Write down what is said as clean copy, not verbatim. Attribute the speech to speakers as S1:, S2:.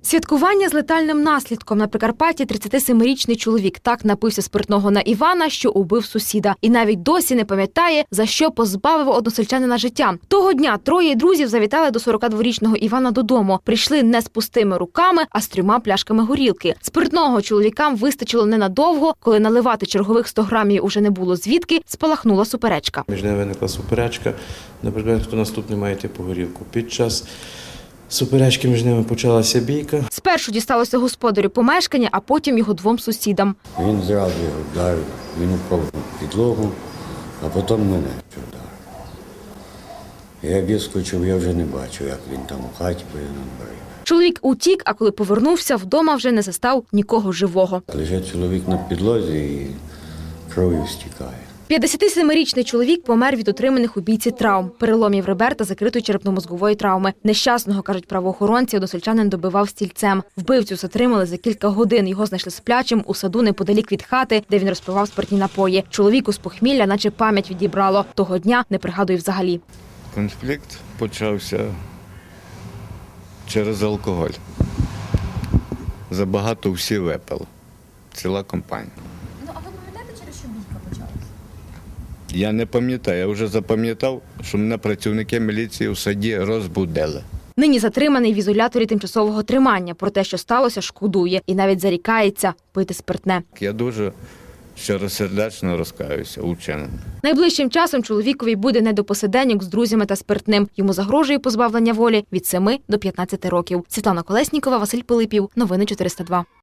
S1: Святкування з летальним наслідком. На Прикарпатті 37-річний чоловік так напився спиртного на Івана, що убив сусіда. І навіть досі не пам'ятає, за що позбавив односельчанина життя. Того дня троє друзів завітали до 42-річного Івана додому. Прийшли не з пустими руками, а з 3 пляшками горілки. Спиртного чоловікам вистачило ненадовго. Коли наливати чергових 100 грамів уже не було звідки, спалахнула суперечка.
S2: Між ними виникла суперечка, наприклад, хто наступний має йти по горілку. Під час суперечки між ними почалася бійка.
S1: Спершу дісталося господарю помешкання, а потім його 2 сусідам.
S3: Він зразу його вдарив, він упав на підлогу, а потім мене вдарив. Я відскочив, я вже не бачив, як він там у хаті, бо я на дворі.
S1: Чоловік утік, а коли повернувся, вдома вже не застав нікого живого.
S3: Лежить чоловік на підлозі і кров'ю стікає.
S1: 57-річний чоловік помер від отриманих у бійці травм, переломів ребер та закритої черепно-мозгової травми. Нещасного, кажуть правоохоронці, односельчанин добивав стільцем. Вбивцю затримали за кілька годин. Його знайшли сплячим у саду неподалік від хати, де він розпивав спиртні напої. Чоловіку з похмілля наче пам'ять відібрало. Того дня не пригадує взагалі.
S4: Конфлікт почався через алкоголь. Забагато всі випили. Ціла компанія.
S5: Ну, а ви пам'ятаєте, через що бійка почалася?
S4: Я не пам'ятаю, я вже запам'ятав, що мене працівники міліції в саді розбудили.
S1: Нині затриманий в ізоляторі тимчасового тримання. Про те, що сталося, шкодує. І навіть зарікається пити спиртне.
S4: Я дуже щиросердечно розкаюся у вчиненому.
S1: Найближчим часом чоловікові буде не до посиденьок з друзями та спиртним. Йому загрожує позбавлення волі від 7 до 15 років. Світлана Колеснікова, Василь Пилипів. Новини 402.